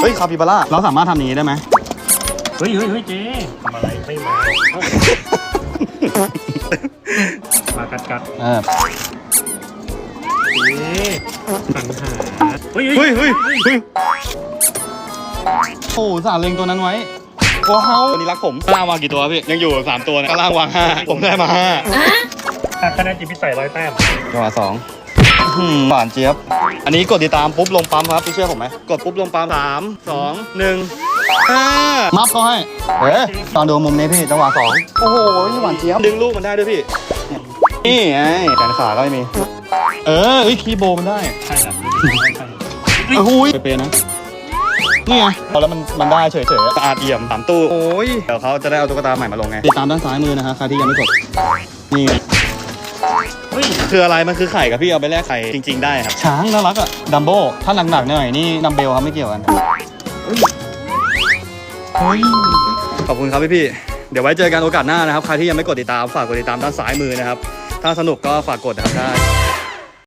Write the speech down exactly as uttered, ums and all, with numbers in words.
เฮ้ยคาปิบาร่าเราสามารถทำอย่างนี้ได้ไหมเฮ้ยเฮ้ยเฮ้ยเจ๊ทำอะไรไม่มามากัดกัดเออเจ๊ปัญหาเฮ้ยเฮ้ยเฮ้ยเฮ้ยโอ้สารเลงตัวนั้นไว้ว้าวตัวนี้รักผมล่างวางกี่ตัวพี่ยังอยู่สามตัวนะก็ล่างวางห้าผมได้มาห้าคะแนนจิตพิสัยร้อยแต้มจังหวะสองหวานเจี๊ยบอันนี้กดติดตามปุ๊บลงปั๊มครับพี่เชื่อผมไหมกดปุ๊บลงปั๊มสามสองหนึ่งห้ามัฟเขาให้เฮ้ยตอนดูมุมนี้พี่จังหวะสองโอ้โหหวานเจี๊ยบดึงลูกมันได้ด้วยพี่นี่ไงแขนขาก็ไม่มีเออเฮ้ยคีย์โบมันได้ใช่ครับโอ้โหเป๊ะๆนะนี่ไงพอแล้วมันมันได้เฉยๆสะอาดเอี่ยมสามตู้โอ้ยเดี๋ยวเขาจะได้เอาตุ๊กตาใหม่มาลงไงติดตามด้านซ้ายมือนะฮะใครที่ยังไม่กดนี่ไงเฮ้ยคืออะไรมันคือไข่กับพี่เอาไปแลกไข่จริงๆได้ครับช้างน่ารักอะดัมโบ้ถ้าหนักๆหน่อยนี่ดัมเบลครับไม่เกี่ยวกันขอบคุณครับพี่ๆเดี๋ยวไว้เจอกันโอกาสหน้านะครับใครที่ยังไม่กดติดตามฝากกดติดตามด้านซ้ายมือนะครับถ้าสนุกก็ฝากกดนะครับได้